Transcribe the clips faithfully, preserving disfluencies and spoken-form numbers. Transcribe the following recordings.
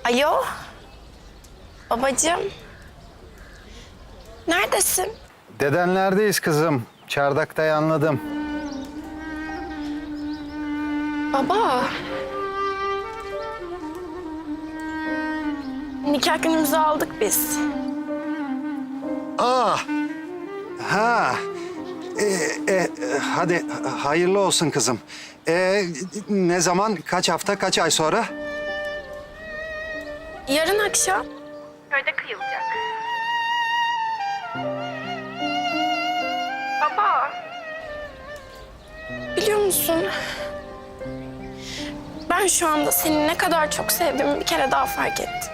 Alo. Babacığım. Neredesin? Dedenlerdeyiz kızım. Çardakta yanladım. Baba. Nikah günümüzü aldık biz. Aa, ha. E, e, hadi hayırlı olsun kızım. E, ne zaman, kaç hafta, kaç ay sonra? Yarın akşam. Köyde kıyılacak. Baba. Biliyor musun? Ben şu anda seni ne kadar çok sevdiğimi bir kere daha fark ettim.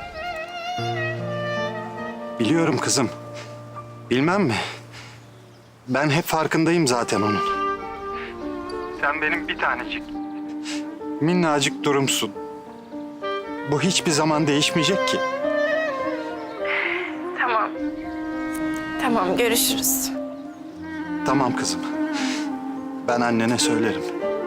Biliyorum kızım. Bilmem mi? Ben hep farkındayım zaten onun. Sen benim bir tanecik. Minnacık durumsun. Bu hiçbir zaman değişmeyecek ki. Tamam. Tamam, görüşürüz. Tamam kızım. Ben annene söylerim.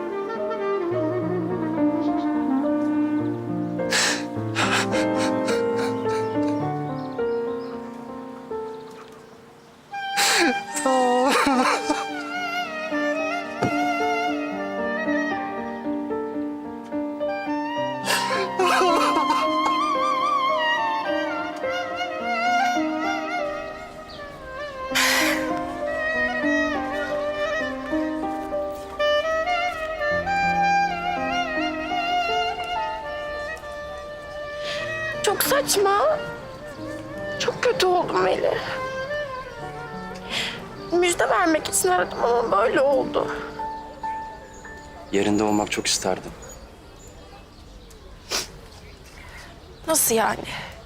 Çok saçma. Çok kötü oldum Melih. Müjde vermek için aradım ama böyle oldu. Yerinde olmak çok isterdim. Nasıl yani?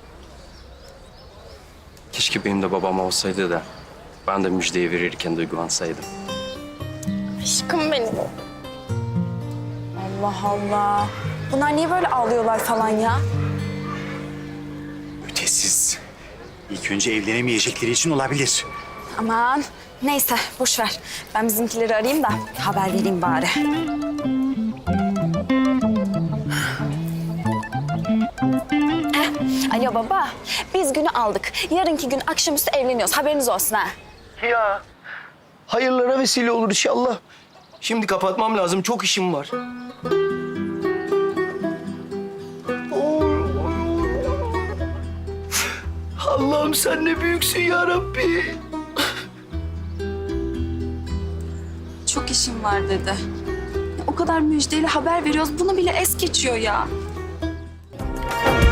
Keşke benim de babam olsaydı da ben de müjdeyi verirken duygulansaydım. Aşkım benim. Allah Allah. Bunlar niye böyle ağlıyorlar falan ya? Ötesiz. İlk önce evlenemeyecekleri için olabilir. Aman neyse boş ver. Ben bizimkileri arayayım da haber vereyim bari. Eh, alo baba. Biz günü aldık. Yarınki gün akşamüstü evleniyoruz. Haberiniz olsun ha. Ya hayırlara vesile olur inşallah. Şimdi kapatmam lazım. Çok işim var. Allah'ım sen ne büyüksün ya Rabbi. Çok işim var dedi. O kadar müjdeyle haber veriyoruz. Bunu bile es geçiyor ya.